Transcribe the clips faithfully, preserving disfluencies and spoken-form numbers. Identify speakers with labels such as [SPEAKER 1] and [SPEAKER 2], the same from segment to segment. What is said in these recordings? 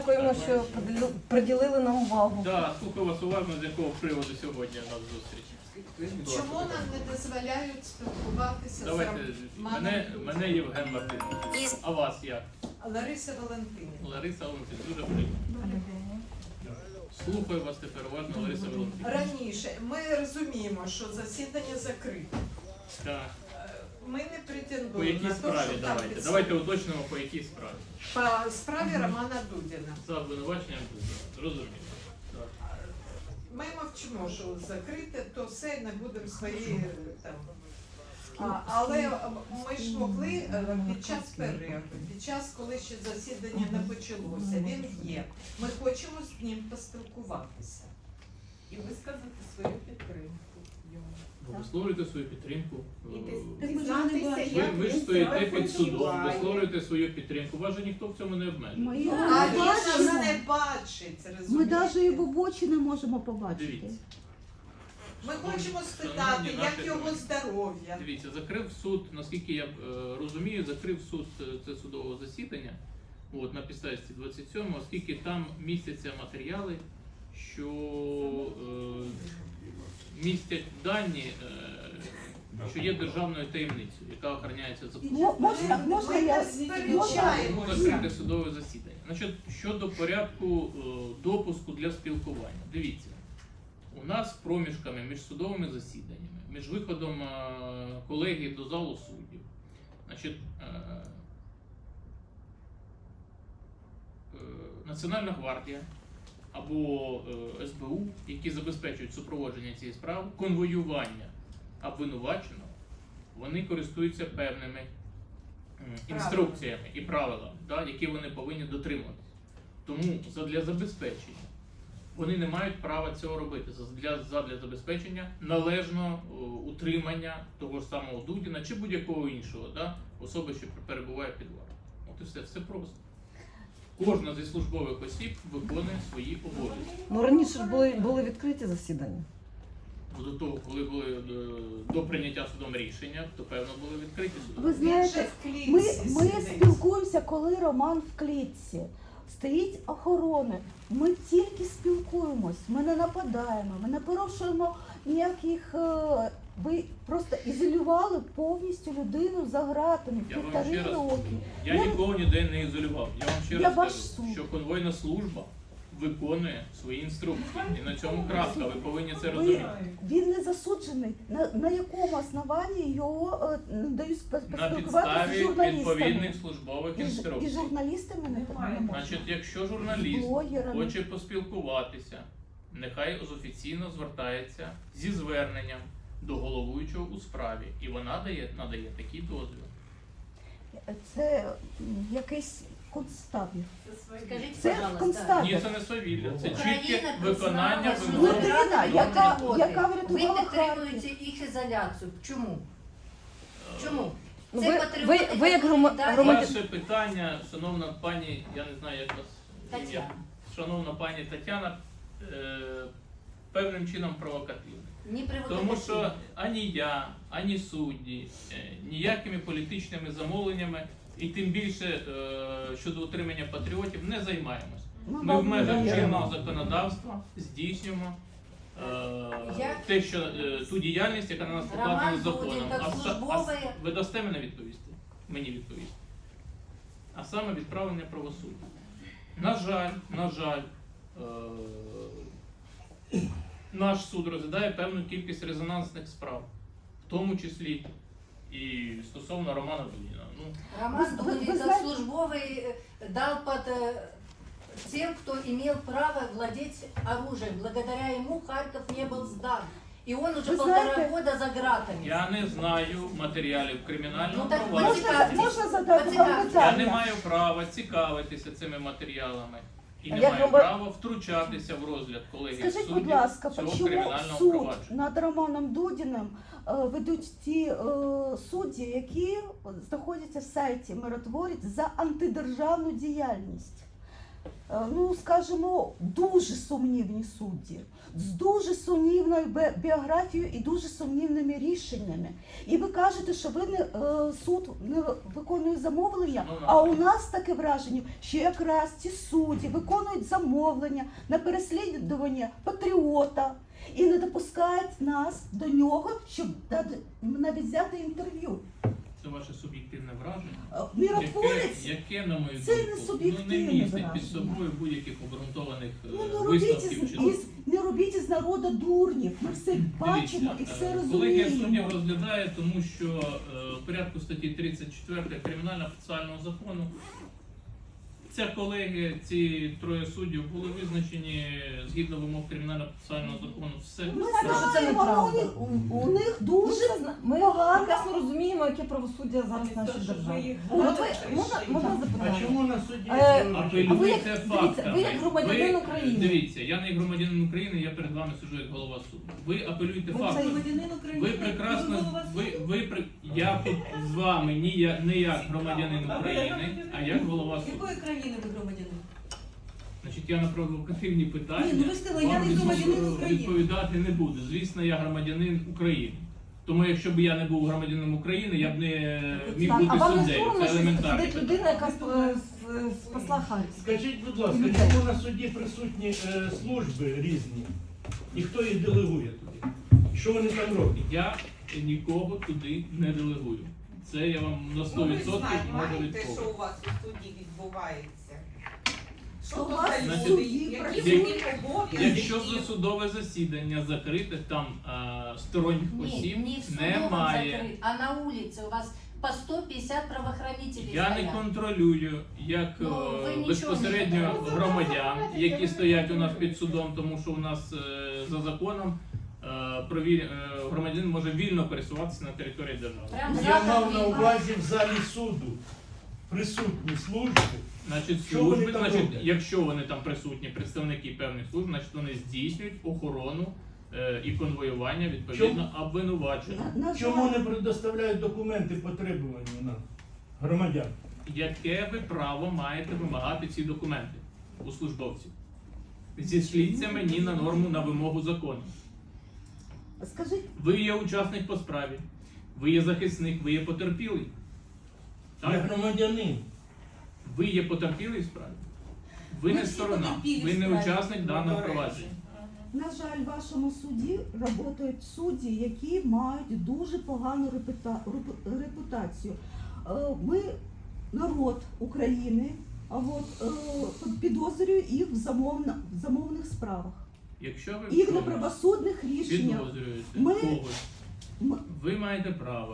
[SPEAKER 1] Дякуємо, що приділили нам увагу.
[SPEAKER 2] Так, слухаю вас уважно, з якого приводу сьогодні у нас зустріч.
[SPEAKER 3] Чому нам не дозволяють спілкуватися
[SPEAKER 2] Давайте,
[SPEAKER 3] з
[SPEAKER 2] мене, мене Євген Мартинович. А вас як?
[SPEAKER 3] Лариса Валентинівна?
[SPEAKER 2] Лариса Валентинівна, дуже приємно. Слухаю вас тепер уважно, Лариса Валентинівна.
[SPEAKER 3] Раніше ми розуміємо, що засідання закрите.
[SPEAKER 2] Так.
[SPEAKER 3] Ми не
[SPEAKER 2] По
[SPEAKER 3] претендуємо
[SPEAKER 2] якій
[SPEAKER 3] на те,
[SPEAKER 2] справі
[SPEAKER 3] що там
[SPEAKER 2] давайте?
[SPEAKER 3] підсудні.
[SPEAKER 2] Давайте уточнимо, по якій справі.
[SPEAKER 3] По справі Романа Дудіна.
[SPEAKER 2] За обвинуваченням Дудіна. Зрозуміло. Так.
[SPEAKER 3] Ми мовчимо, що закрите, то все не будемо свої там. А, але ми ж могли е, під час перерви, під час, коли ще засідання не почалося, він є. Ми хочемо з ним поспілкуватися і висказати свою підтримку йому.
[SPEAKER 2] Ви висловлюєте свою підтримку.
[SPEAKER 3] І
[SPEAKER 2] Ви, ви ж стоїте під судом, висловлюєте свою підтримку. Вас же ніхто в цьому не обмежує.
[SPEAKER 4] Ми
[SPEAKER 3] А
[SPEAKER 4] його
[SPEAKER 3] він
[SPEAKER 4] не
[SPEAKER 3] нас
[SPEAKER 4] бачимо.
[SPEAKER 3] не бачить,
[SPEAKER 4] Ми
[SPEAKER 3] розумієте?
[SPEAKER 4] навіть його в очі не можемо побачити.
[SPEAKER 2] Дивіться.
[SPEAKER 3] Ми хочемо спитати,
[SPEAKER 2] Шановні
[SPEAKER 3] як
[SPEAKER 2] наші
[SPEAKER 3] його
[SPEAKER 2] друзі.
[SPEAKER 3] здоров'я.
[SPEAKER 2] Дивіться, закрив суд, наскільки я е, розумію, закрив суд е, це судового засідання от, на підставі двадцять сьомого, оскільки там містяться матеріали, що е, містять дані, е, що є державною таємницею, яка охороняється законом.
[SPEAKER 4] Мо- Можна, можна
[SPEAKER 3] Ми
[SPEAKER 4] я
[SPEAKER 3] не сперечаємо.
[SPEAKER 2] Тому закрите судове засідання. Значить, щодо порядку е, допуску для спілкування. Дивіться, у нас проміжками між судовими засіданнями, між виходом е, колегії до залу суддів, значить, е, е, Національна гвардія або е, ес бе у, які забезпечують супроводження цієї справи, конвоювання обвинуваченого, вони користуються певними м, інструкціями і правилами, да, які вони повинні дотримуватися. Тому задля забезпечення вони не мають права цього робити. Задля, задля забезпечення належного о, утримання того ж самого Дудіна чи будь-якого іншого, да, особи, що перебуває під вартою. От і все, все просто. Кожна зі службових осіб виконує свої обов'язки.
[SPEAKER 1] Ну раніше ж були, були відкриті засідання.
[SPEAKER 2] До того, коли були до, до прийняття судом рішення, то певно були відкриті судові.
[SPEAKER 4] Ви
[SPEAKER 3] Він же
[SPEAKER 4] знаєте,
[SPEAKER 3] в клітці
[SPEAKER 4] ми, ми
[SPEAKER 3] сидить.
[SPEAKER 4] спілкуємося, коли Роман в клітці. Стоїть охорона. Ми тільки спілкуємось, ми не нападаємо, ми не порушуємо ніяких. е, Ви просто ізолювали повністю людину за ґратами
[SPEAKER 2] Я вам
[SPEAKER 4] півтори
[SPEAKER 2] ще раз
[SPEAKER 4] роки.
[SPEAKER 2] кажу, я
[SPEAKER 4] Я-
[SPEAKER 2] нікого ніде не ізолював. Я вам ще
[SPEAKER 4] Я
[SPEAKER 2] раз
[SPEAKER 4] ваш
[SPEAKER 2] кажу,
[SPEAKER 4] суд.
[SPEAKER 2] що конвойна служба виконує свої інструкції. І на цьому крапка, ви повинні це
[SPEAKER 4] Ви,
[SPEAKER 2] розуміти.
[SPEAKER 4] він не засуджений. На, на якому основанні його е, не дають спе-
[SPEAKER 2] На
[SPEAKER 4] поспілкуватися з
[SPEAKER 2] підставі
[SPEAKER 4] журналістами?
[SPEAKER 2] відповідних службових
[SPEAKER 4] І, ж- і
[SPEAKER 2] інструкцій.
[SPEAKER 4] журналістами не, не можна.
[SPEAKER 2] Значить, якщо журналіст
[SPEAKER 4] Блогерами.
[SPEAKER 2] хоче поспілкуватися, нехай офіційно звертається зі зверненням до головуючого у справі. І вона дає, надає такий дозвіл.
[SPEAKER 4] Це м, якийсь концтабір.
[SPEAKER 5] Скажите,
[SPEAKER 4] Це
[SPEAKER 5] пожалуйста,
[SPEAKER 4] концтабір.
[SPEAKER 2] Ні, це не свавілля, це чітке
[SPEAKER 5] Україна
[SPEAKER 2] виконання
[SPEAKER 5] признала, що
[SPEAKER 2] вимог.
[SPEAKER 4] Людина,
[SPEAKER 5] державною
[SPEAKER 4] яка-
[SPEAKER 5] роботи.
[SPEAKER 4] яка
[SPEAKER 5] Ви
[SPEAKER 4] врятувала
[SPEAKER 5] підтримуєте їх ізоляцію. Чому? Чому?
[SPEAKER 1] Ну,
[SPEAKER 5] Це
[SPEAKER 1] ви,
[SPEAKER 5] патріоти,
[SPEAKER 1] ви, ви як
[SPEAKER 5] які
[SPEAKER 1] грома-
[SPEAKER 5] далі-
[SPEAKER 1] громадян...
[SPEAKER 2] Ваше питання, шановна пані, я не знаю, як вас ім'я.
[SPEAKER 5] Тетяна.
[SPEAKER 2] Шановна пані Тетяна, е, певним чином провокативне.
[SPEAKER 5] Не
[SPEAKER 2] Тому що ані я, ані судді, е, ніякими політичними замовленнями і тим більше е, щодо утримання патріотів не займаємось.
[SPEAKER 4] Ну,
[SPEAKER 2] Ми в
[SPEAKER 4] вам
[SPEAKER 2] межах
[SPEAKER 4] не
[SPEAKER 2] чинного законодавства здійснюємо е,
[SPEAKER 5] Як?
[SPEAKER 2] те, що е, ту діяльність, яка на нас покладена
[SPEAKER 5] Роман
[SPEAKER 2] законом.
[SPEAKER 5] Дудін, як
[SPEAKER 2] А са- а с-
[SPEAKER 5] службовий.
[SPEAKER 2] ви дасте мене відповісти? Мені відповісти. А саме відправлення правосуддя. На жаль, на жаль, е, наш суд розглядає певну кількість резонансних справ, в тому числі і стосовно Романа Дудіна. Ну,
[SPEAKER 5] Роман
[SPEAKER 4] Ви- ви-
[SPEAKER 5] Дудин
[SPEAKER 4] ви
[SPEAKER 5] как
[SPEAKER 4] знаете-
[SPEAKER 5] службовый э, дал под э, тем, кто имел право владеть оружием. Благодаря ему Харьков не был сдан. И он уже
[SPEAKER 4] Вы
[SPEAKER 5] полтора
[SPEAKER 4] знаете-
[SPEAKER 5] года за ґратами.
[SPEAKER 2] я не знаю матеріалів кримінального
[SPEAKER 5] Ну, так
[SPEAKER 2] провадження.
[SPEAKER 4] Можна, можна задати вам
[SPEAKER 5] Поцікавтесь.
[SPEAKER 2] Я не
[SPEAKER 4] питання?
[SPEAKER 2] маю права цікавитися цими матеріалами і не
[SPEAKER 1] Як
[SPEAKER 2] маю
[SPEAKER 1] грома-
[SPEAKER 2] права втручатися в розгляд колегії
[SPEAKER 4] Скажіть,
[SPEAKER 2] суддів
[SPEAKER 4] будь ласка,
[SPEAKER 2] цього
[SPEAKER 4] чому
[SPEAKER 2] кримінального
[SPEAKER 4] суд
[SPEAKER 2] провадження.
[SPEAKER 4] над Романом Дудіним е, ведуть ті е, судді, які знаходяться в сайті Миротворець за антидержавну діяльність? е, ну скажімо, дуже сумнівні судді, з дуже сумнівною бе- біографією і дуже сумнівними рішеннями. І ви кажете, що ви не е, суд не виконує замовлення,
[SPEAKER 2] Ну,
[SPEAKER 4] а у нас таке враження, що якраз ці судді виконують замовлення на переслідування патріота і не допускають нас до нього, щоб дати- навіть взяти інтерв'ю.
[SPEAKER 2] Це ваше суб'єктивне враження.
[SPEAKER 4] Е, Миротворець.
[SPEAKER 2] Яке, яке, на мою
[SPEAKER 4] Це
[SPEAKER 2] думку,
[SPEAKER 4] не
[SPEAKER 2] ну,
[SPEAKER 4] суб'єктивне
[SPEAKER 2] не містить
[SPEAKER 4] враження.
[SPEAKER 2] під собою будь-яких обґрунтованих е,
[SPEAKER 4] Ну, не робіть,
[SPEAKER 2] висновків.
[SPEAKER 4] із,
[SPEAKER 2] чи-
[SPEAKER 4] із, не робіть із народу дурнів. Ми все бачимо і
[SPEAKER 2] Дивіться,
[SPEAKER 4] все
[SPEAKER 2] е, колегія суддів
[SPEAKER 4] розуміємо.
[SPEAKER 2] розглядає, тому що е, в порядку статті тридцять четвертої Кримінально-процесуального закону ця колегія, ці троє суддів були визначені згідно вимог Кримінально-процесуального закону. Все.
[SPEAKER 4] Ми
[SPEAKER 1] знаємо, що це
[SPEAKER 4] знаємо, але у
[SPEAKER 1] неправда.
[SPEAKER 4] них, у, у них дуже
[SPEAKER 1] Ми
[SPEAKER 4] погано.
[SPEAKER 1] прекрасно розуміємо, яке правосуддя зараз в нашій державі. От ви можна, можна
[SPEAKER 6] А
[SPEAKER 1] запитання?
[SPEAKER 6] чому на суді?
[SPEAKER 1] Е,
[SPEAKER 6] е,
[SPEAKER 1] А ви як-
[SPEAKER 2] Апелюйте
[SPEAKER 1] дивіться,
[SPEAKER 2] фактами.
[SPEAKER 1] ви як громадянин
[SPEAKER 2] Ви,
[SPEAKER 1] України.
[SPEAKER 2] Дивіться, я не як громадянин України, я перед вами сиджу як голова суду. Ви апелюйте
[SPEAKER 1] Ви
[SPEAKER 2] фактами.
[SPEAKER 7] Громадянин України.
[SPEAKER 2] Ви прекрасно, ви, ви, при- я тут з вами ні я, не як громадянин України, а як голова суду.
[SPEAKER 7] Якої країни ви громадянин?
[SPEAKER 2] Значить, я на провокативні питання
[SPEAKER 7] Ні, ну ви сказали, я
[SPEAKER 2] вам
[SPEAKER 7] не громадянин
[SPEAKER 2] відпов-
[SPEAKER 7] України.
[SPEAKER 2] відповідати не буду. Звісно, я громадянин України. Тому якщо б я не був громадянином України, я б не міг
[SPEAKER 1] Так,
[SPEAKER 2] бути
[SPEAKER 1] а вам не
[SPEAKER 2] суддею.
[SPEAKER 1] соромно,
[SPEAKER 2] Це
[SPEAKER 1] що
[SPEAKER 2] елементарне
[SPEAKER 1] сидить
[SPEAKER 2] питання.
[SPEAKER 1] людина, яка сп- с- спасла Харків?
[SPEAKER 6] Скажіть, будь ласка,
[SPEAKER 1] Людей.
[SPEAKER 6] чому на суді присутні е, служби різні? І хто їх делегує туди? Що вони там роблять?
[SPEAKER 2] Я нікого туди не делегую. Це я вам на сто
[SPEAKER 3] Ну, ви
[SPEAKER 2] відсотків
[SPEAKER 3] знаєте,
[SPEAKER 2] можу
[SPEAKER 3] маєте, що
[SPEAKER 2] відповісти.
[SPEAKER 3] у вас у суді відбувається? Що
[SPEAKER 4] Що
[SPEAKER 3] то
[SPEAKER 4] у вас
[SPEAKER 3] за
[SPEAKER 2] в
[SPEAKER 3] люди?
[SPEAKER 4] суді
[SPEAKER 3] Які
[SPEAKER 4] працюють?
[SPEAKER 3] в них обов'язки?
[SPEAKER 2] Якщо засудове засідання закрите, там а, сторонніх осіб
[SPEAKER 5] Не, не в судовом
[SPEAKER 2] немає.
[SPEAKER 5] закрыт, а на улице. У вас по сто пятьдесят правоохранителей
[SPEAKER 2] Я не
[SPEAKER 5] стоят.
[SPEAKER 2] контролюю як
[SPEAKER 5] Ну,
[SPEAKER 2] е,
[SPEAKER 5] ви нічого
[SPEAKER 2] безпосередньо
[SPEAKER 5] не контролюєте.
[SPEAKER 2] громадян, які стоять у нас під судом, тому що у нас е, за законом е, провіль- е, громадянин може вільно пересуватися на території держави.
[SPEAKER 5] Прям
[SPEAKER 6] Я
[SPEAKER 5] задом
[SPEAKER 6] мав на
[SPEAKER 5] видно.
[SPEAKER 6] увазі в залі суду присутні служби.
[SPEAKER 2] Значить,
[SPEAKER 6] Що вони
[SPEAKER 2] служби,
[SPEAKER 6] там
[SPEAKER 2] значить,
[SPEAKER 6] роблять?
[SPEAKER 2] якщо вони там присутні, представники певних служб, значить вони здійснюють охорону е, і конвоювання відповідно обвинувачення.
[SPEAKER 4] На, на
[SPEAKER 6] Чому
[SPEAKER 4] жаль,
[SPEAKER 6] не предоставляють документи потребувані на громадян?
[SPEAKER 2] Яке ви право маєте вимагати ці документи у службовців? Зішліться мені на норму, на вимогу закону.
[SPEAKER 4] скажіть,
[SPEAKER 2] Ви є учасник по справі, ви є захисник, ви є потерпілий.
[SPEAKER 6] Я
[SPEAKER 2] Так?
[SPEAKER 6] громадянин.
[SPEAKER 2] Ви є потерпілий в справі. Ви
[SPEAKER 7] Ми
[SPEAKER 2] не
[SPEAKER 7] всі
[SPEAKER 2] сторона,
[SPEAKER 7] потерпілі
[SPEAKER 2] ви
[SPEAKER 7] в
[SPEAKER 2] не
[SPEAKER 7] справі.
[SPEAKER 2] учасник даного
[SPEAKER 3] До речі.
[SPEAKER 2] провадження.
[SPEAKER 4] на жаль, в вашому суді працюють судді, які мають дуже погану репута- репу- репутацію. Е, Ми народ України, а от е, підозрюю їх в замовна- в замовних справах.
[SPEAKER 2] Якщо ви в
[SPEAKER 4] Їх
[SPEAKER 2] чомусь
[SPEAKER 4] неправосудних рішеннях.
[SPEAKER 2] підозрюєте
[SPEAKER 4] Ми-
[SPEAKER 2] когось,
[SPEAKER 4] М-
[SPEAKER 2] ви маєте право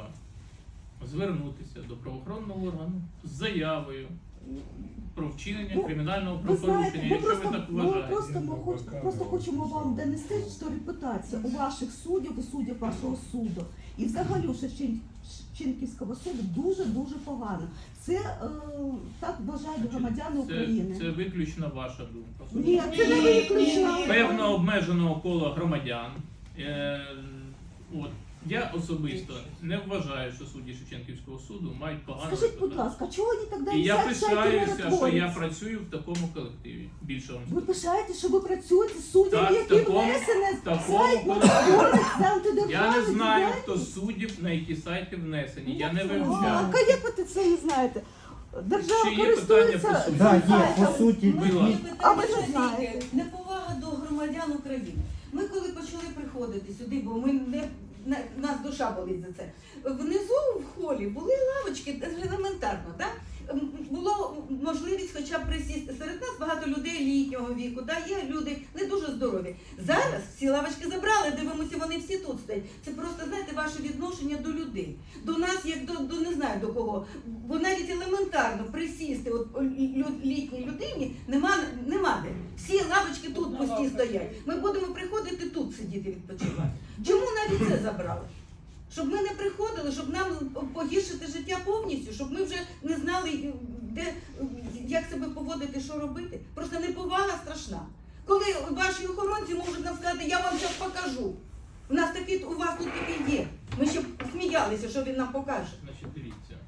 [SPEAKER 2] звернутися до правоохоронного органу з заявою про вчинення
[SPEAKER 4] Ну,
[SPEAKER 2] кримінального
[SPEAKER 4] Ви знаєте,
[SPEAKER 2] правопорушення,
[SPEAKER 4] ми
[SPEAKER 2] якщо
[SPEAKER 4] просто,
[SPEAKER 2] ви так
[SPEAKER 4] ми
[SPEAKER 2] вважаєте.
[SPEAKER 4] просто, ми хоч, просто хочемо вам донести, що репутація у ваших суддів і суддів вашого суду і взагалі у Шевчен- Шевченківського суду дуже-дуже погано. Це е, так вважають громадяни України.
[SPEAKER 2] Це, це виключно ваша думка.
[SPEAKER 4] Ні, це не виключно.
[SPEAKER 2] Певно обмеженого кола громадян. Е, от, я особисто не вважаю, що судді Шевченківського суду мають погану
[SPEAKER 4] Скажіть, будь
[SPEAKER 2] репутацію.
[SPEAKER 4] ласка, чого вони тоді
[SPEAKER 2] І я
[SPEAKER 4] сядь- сядьте
[SPEAKER 2] пишаюся, що я
[SPEAKER 4] миротворець?
[SPEAKER 2] працюю в такому колективі. Більше вам
[SPEAKER 4] Ви
[SPEAKER 2] скажу.
[SPEAKER 4] пишаєте, що ви працюєте з суддями,
[SPEAKER 2] Так, в
[SPEAKER 4] які
[SPEAKER 2] такому-
[SPEAKER 4] внесені
[SPEAKER 2] в такому
[SPEAKER 4] сайт
[SPEAKER 2] колективі.
[SPEAKER 4] миротворець за антидержавну
[SPEAKER 2] Я не знаю,
[SPEAKER 4] діяльність?
[SPEAKER 2] хто з суддів на які сайти внесені. Я не
[SPEAKER 4] А,
[SPEAKER 2] вивчав.
[SPEAKER 4] а як ви це не знаєте? Держава
[SPEAKER 2] Ще є
[SPEAKER 4] користується
[SPEAKER 2] питання по суті?
[SPEAKER 8] Да, є,
[SPEAKER 4] сайтом.
[SPEAKER 8] по суті,
[SPEAKER 2] Будь
[SPEAKER 7] Моє
[SPEAKER 2] ласка.
[SPEAKER 4] А ви
[SPEAKER 7] питання
[SPEAKER 4] не знаєте.
[SPEAKER 7] тільки неповага до громадян України. Ми коли почали приходити сюди, бо ми не на- нас душа болить за це. Внизу в холі були лавочки, це ж елементарно, так? М, Було можливість хоча б присісти. Серед нас багато людей літнього віку, да? Є люди не дуже здорові. Зараз всі лавочки забрали, дивимося, вони всі тут стоять. Це просто, знаєте, ваше відношення до людей. До нас, як до, до не знаю до кого. Бо навіть елементарно присісти от, лю- літній людині нема, нема де. Всі лавочки тут пусті стоять. Ми будемо приходити тут сидіти відпочивати. Чому навіть це забрали? Щоб ми не приходили, щоб нам погіршити життя повністю, щоб ми вже не знали, де, як себе поводити, що робити. Просто неповага страшна. Коли ваші охоронці можуть нам сказати, я вам зараз покажу. У нас такий, у вас тут такий є. Ми ще сміялися, що він нам покаже.
[SPEAKER 2] Значить, дивіться.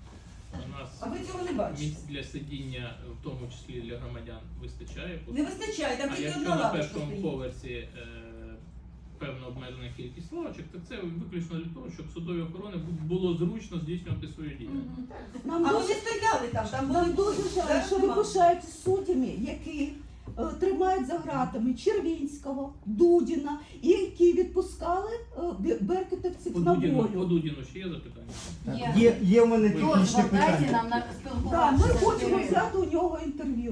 [SPEAKER 2] У нас
[SPEAKER 7] А ви цього не бачите.
[SPEAKER 2] місць для сидіння, в тому числі для громадян, вистачає.
[SPEAKER 7] Не вистачає, там
[SPEAKER 2] А
[SPEAKER 7] тільки
[SPEAKER 2] якщо
[SPEAKER 7] одна
[SPEAKER 2] на
[SPEAKER 7] лавочка
[SPEAKER 2] першому
[SPEAKER 7] стоїть.
[SPEAKER 2] поверсі е, певна обмежена кількість лавочок, то це виключно для того, щоб судові охорони бу- було зручно здійснювати свою діяльність.
[SPEAKER 7] Мгм.
[SPEAKER 4] Нам
[SPEAKER 7] А
[SPEAKER 4] дуже,
[SPEAKER 7] вони стояли там, там були
[SPEAKER 4] нам дуже жаль,
[SPEAKER 7] Зараз
[SPEAKER 4] що ви
[SPEAKER 7] нема.
[SPEAKER 4] пишаєтесь суддями, які е, тримають за ґратами Червінського, Дудіна, і які відпускали е, бе- беркутівців
[SPEAKER 2] По
[SPEAKER 4] на
[SPEAKER 2] Дудіну, по
[SPEAKER 4] волю.
[SPEAKER 2] Дудіну ще є запитання?
[SPEAKER 5] Є.
[SPEAKER 8] Є, є в мене
[SPEAKER 2] Дозвіл
[SPEAKER 8] технічне
[SPEAKER 5] Дозвол дайте
[SPEAKER 8] питання.
[SPEAKER 5] нам на
[SPEAKER 4] Да,
[SPEAKER 5] спілкуватися.
[SPEAKER 4] ми
[SPEAKER 5] з
[SPEAKER 4] хочемо
[SPEAKER 5] ними.
[SPEAKER 4] взяти у нього інтерв'ю.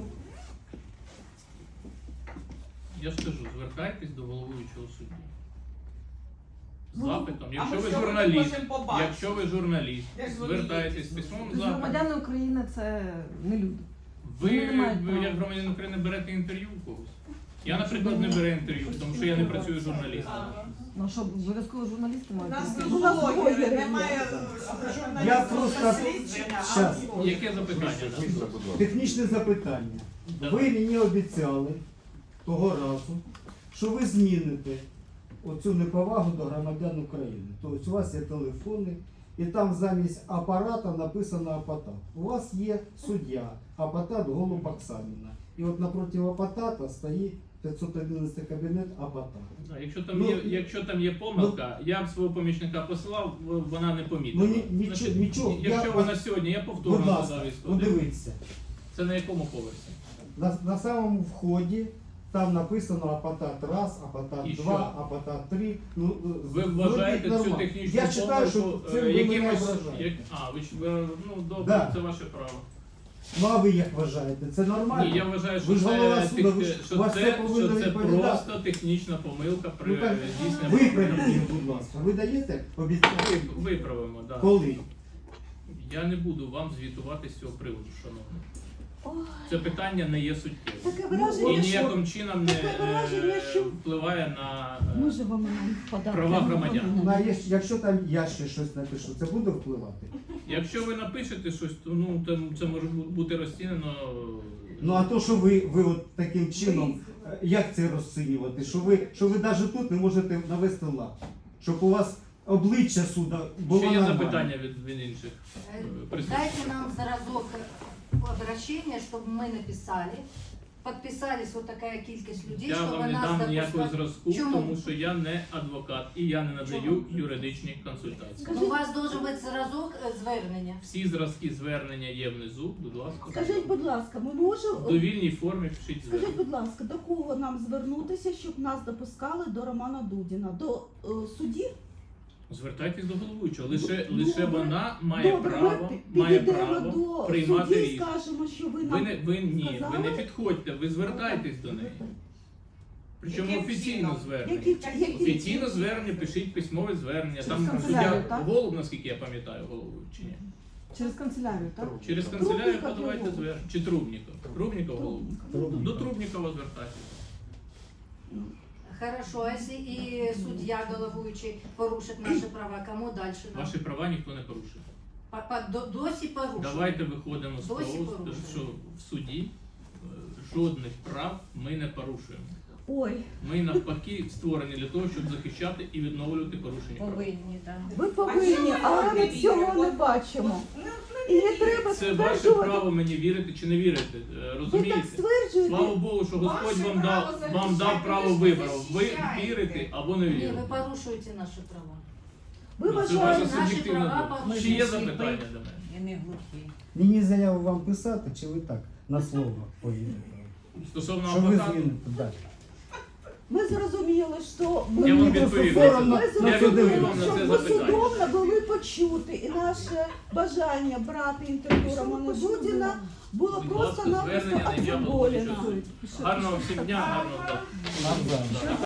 [SPEAKER 2] Я ж кажу, звертайтесь до головуючого судді. З
[SPEAKER 4] Ну,
[SPEAKER 2] запитом,
[SPEAKER 3] А
[SPEAKER 2] якщо
[SPEAKER 3] ми
[SPEAKER 2] ви
[SPEAKER 3] що
[SPEAKER 2] журналіст,
[SPEAKER 3] хочемо побачити?
[SPEAKER 2] якщо ви журналіст,
[SPEAKER 3] Як
[SPEAKER 2] звертайтесь з
[SPEAKER 3] звоніть?
[SPEAKER 2] письмовим запитом.
[SPEAKER 1] Громадяни України це не люди.
[SPEAKER 2] Ви,
[SPEAKER 1] Вони не мають
[SPEAKER 2] ви
[SPEAKER 1] права.
[SPEAKER 2] як громадянин України берете інтерв'ю у когось? Я, наприклад, не беру інтерв'ю, тому що я не працюю журналістом.
[SPEAKER 1] Ну що, обов'язково журналісти
[SPEAKER 3] У
[SPEAKER 1] мають
[SPEAKER 3] нас
[SPEAKER 1] бути?
[SPEAKER 3] тут
[SPEAKER 4] У нас
[SPEAKER 3] блогери,
[SPEAKER 4] блогери
[SPEAKER 3] немає
[SPEAKER 4] є.
[SPEAKER 3] журналістів.
[SPEAKER 8] Я просто-
[SPEAKER 3] дослідження, а
[SPEAKER 8] Щас.
[SPEAKER 3] блогери.
[SPEAKER 2] Яке запитання? да?
[SPEAKER 8] Технічне запитання. Ви
[SPEAKER 2] Давай.
[SPEAKER 8] мені обіцяли того разу, що ви зміните оцю неповагу до громадян України. Тобто у вас є телефони, і там замість апарата написано апатат. У вас є суддя, апатат Голуб Оксаніна. І от напроти апатата стоїть п'ятсот одинадцятий кабінет апатат.
[SPEAKER 2] Да, Якщо там
[SPEAKER 8] Ну,
[SPEAKER 2] є, якщо там є помилка, я б свого помічника посилав, в- вона не помітила.
[SPEAKER 8] Ну, ні- нічого-
[SPEAKER 2] Значить,
[SPEAKER 8] нічого.
[SPEAKER 2] Якщо
[SPEAKER 8] Я-
[SPEAKER 2] вона сьогодні, я
[SPEAKER 8] Будь
[SPEAKER 2] повторно
[SPEAKER 8] ласка,
[SPEAKER 2] задав історію.
[SPEAKER 8] подивіться.
[SPEAKER 2] Це на якому поверсі?
[SPEAKER 8] На, на самому вході там написано апатат раз, апатат
[SPEAKER 2] І
[SPEAKER 8] два,
[SPEAKER 2] що?
[SPEAKER 8] апатат три. Ну,
[SPEAKER 2] Ви
[SPEAKER 8] зробіть
[SPEAKER 2] вважаєте цю
[SPEAKER 8] нормально.
[SPEAKER 2] технічну
[SPEAKER 8] Я вважаю, що
[SPEAKER 2] помилку,
[SPEAKER 8] це
[SPEAKER 2] е,
[SPEAKER 8] ви мене
[SPEAKER 2] якимось...
[SPEAKER 8] ображаєте.
[SPEAKER 2] Як... А, ви, ж- ви ну добре,
[SPEAKER 8] Да.
[SPEAKER 2] це ваше право.
[SPEAKER 8] Ну а ви як вважаєте? Це нормально?
[SPEAKER 2] Ні, я вважаю, що
[SPEAKER 8] Ви ж голова
[SPEAKER 2] це,
[SPEAKER 8] суду, ви
[SPEAKER 2] тех-
[SPEAKER 8] ж-
[SPEAKER 2] що
[SPEAKER 8] у вас
[SPEAKER 2] це,
[SPEAKER 8] все повинно
[SPEAKER 2] що це
[SPEAKER 8] відповідати.
[SPEAKER 2] просто технічна помилка при
[SPEAKER 8] Ну, так,
[SPEAKER 2] здійсненні.
[SPEAKER 8] виправіть їх, будь ласка. Ви даєте обіцянку?
[SPEAKER 2] Ви- Виправимо, так. Да.
[SPEAKER 8] Коли?
[SPEAKER 2] Я не буду вам звітувати з цього приводу, шановні.
[SPEAKER 4] Ой,
[SPEAKER 2] Це питання не є суттєвим.
[SPEAKER 4] таке
[SPEAKER 2] І
[SPEAKER 4] враження, що
[SPEAKER 2] ніяким чином не
[SPEAKER 4] таке враження,
[SPEAKER 2] е,
[SPEAKER 4] що-
[SPEAKER 2] впливає на е,
[SPEAKER 4] ми живемо на податки.
[SPEAKER 2] права громадян.
[SPEAKER 8] На, є- якщо там я ще щось напишу, це буде впливати?
[SPEAKER 2] Якщо ви напишете щось, то ну там це може бу- бути розцінено.
[SPEAKER 8] Ну а то, що ви, ви от таким чином, е, як це розцінювати? Що ви, що ви навіть тут не можете навести лад? Щоб у вас обличчя суда було
[SPEAKER 2] Ще є
[SPEAKER 8] нормальне.
[SPEAKER 2] запитання від, від інших
[SPEAKER 5] Э,
[SPEAKER 2] е, присутніх.
[SPEAKER 5] Дайте нам заразок обращения, чтобы мы написали. Подписались вот такая кількість людей,
[SPEAKER 2] Я
[SPEAKER 5] щоб
[SPEAKER 2] вам не
[SPEAKER 5] нас
[SPEAKER 2] дам ніякого
[SPEAKER 5] допускали.
[SPEAKER 2] зразку,
[SPEAKER 5] Чому?
[SPEAKER 2] тому що я не адвокат і я не надаю
[SPEAKER 5] Чому?
[SPEAKER 2] юридичні консультації.
[SPEAKER 5] Ну, у вас должен бути зразок е, звернення.
[SPEAKER 2] Всі зразки звернення є внизу, будь ласка.
[SPEAKER 4] Скажіть, будь ласка, ми можемо.
[SPEAKER 2] В довільній формі пишіть
[SPEAKER 4] Скажіть,
[SPEAKER 2] звернення.
[SPEAKER 4] будь ласка, до кого нам звернутися, щоб нас допускали до Романа Дудіна? До е, судді?
[SPEAKER 2] Звертайтесь до головуючого. Лише,
[SPEAKER 4] Добре.
[SPEAKER 2] лише вона має
[SPEAKER 4] Добре,
[SPEAKER 2] право,
[SPEAKER 4] ми
[SPEAKER 2] має
[SPEAKER 4] підійдемо
[SPEAKER 2] право
[SPEAKER 4] до
[SPEAKER 2] приймати
[SPEAKER 4] судді і
[SPEAKER 2] рішення.
[SPEAKER 4] скажемо, що ви
[SPEAKER 2] Ви
[SPEAKER 4] нам
[SPEAKER 2] не ви ні, ви не
[SPEAKER 4] сказали?
[SPEAKER 2] підходьте, ви звертайтесь до неї. Причому
[SPEAKER 3] Яким
[SPEAKER 2] офіційно
[SPEAKER 3] чином?
[SPEAKER 2] звернення.
[SPEAKER 4] Які, які,
[SPEAKER 2] Офіційно звернення, пишіть письмове звернення.
[SPEAKER 1] Через
[SPEAKER 2] Там
[SPEAKER 1] канцелярію,
[SPEAKER 2] суддя
[SPEAKER 1] так?
[SPEAKER 2] Голуб, наскільки я пам'ятаю, голову чи ні.
[SPEAKER 1] Через канцелярію, так?
[SPEAKER 2] Через канцелярію
[SPEAKER 4] Трубніков
[SPEAKER 2] подавайте
[SPEAKER 4] Голуб.
[SPEAKER 2] звернення. Чи Трубніков? Трубніков голову.
[SPEAKER 8] Трубніков.
[SPEAKER 2] До Трубнікова звертайтеся.
[SPEAKER 5] Хорошо, а якщо і суддя головуючий порушить наші права, кому далі? нам?
[SPEAKER 2] Ваші права ніхто не порушує.
[SPEAKER 5] Па- па- до- Досі порушує.
[SPEAKER 2] Давайте виходимо з того,
[SPEAKER 5] Досі порушує.
[SPEAKER 2] що в суді е, жодних прав ми не порушуємо.
[SPEAKER 4] Ой,
[SPEAKER 2] Ми навпаки створені для того, щоб захищати і відновлювати порушення прав.
[SPEAKER 5] Повинні, так.
[SPEAKER 4] ви повинні, але ми цього не бачимо. І не треба
[SPEAKER 2] Це ваше
[SPEAKER 4] стверджувати.
[SPEAKER 2] право мені вірити чи не вірити. Е,
[SPEAKER 4] Ви так
[SPEAKER 2] Розумієте?
[SPEAKER 4] стверджуєте.
[SPEAKER 2] Слава Богу, що Господь
[SPEAKER 3] Ваше
[SPEAKER 2] вам
[SPEAKER 3] право
[SPEAKER 2] дав вам дав
[SPEAKER 3] захищати,
[SPEAKER 2] право
[SPEAKER 3] ви ж
[SPEAKER 2] вибору. Ви
[SPEAKER 3] захищаєте.
[SPEAKER 2] вірите або не
[SPEAKER 5] Ні,
[SPEAKER 2] вірите.
[SPEAKER 5] ви порушуєте наші права.
[SPEAKER 4] Ви
[SPEAKER 2] Ну, це
[SPEAKER 4] вважаєте,
[SPEAKER 2] ваша
[SPEAKER 5] наші
[SPEAKER 2] суб'єктивна
[SPEAKER 5] права
[SPEAKER 2] думка. Чи є запитання до мене?
[SPEAKER 5] Я не глухий.
[SPEAKER 8] Мені заяву вам писати, чи ви так на слово поїдете?
[SPEAKER 2] Стосовно
[SPEAKER 8] Що ви
[SPEAKER 2] адвоката,
[SPEAKER 8] зміните далі?
[SPEAKER 4] ми зрозуміли, що ми
[SPEAKER 2] Я вам
[SPEAKER 8] Мені
[SPEAKER 2] відповім.
[SPEAKER 8] просто соромно
[SPEAKER 4] Ми
[SPEAKER 2] Я
[SPEAKER 4] зрозуміли,
[SPEAKER 2] відповім вам на
[SPEAKER 4] що
[SPEAKER 2] це
[SPEAKER 4] ми
[SPEAKER 2] запитання.
[SPEAKER 4] судом не були почути, і наше бажання брати інтерв'ю Романа Дудіна було
[SPEAKER 2] Будь ласка,
[SPEAKER 4] просто-напросто
[SPEAKER 2] звернення на ім'я головуючого
[SPEAKER 4] обдолено.
[SPEAKER 2] суду. Гарного всім дня, гарного дня.
[SPEAKER 8] Навзаєм.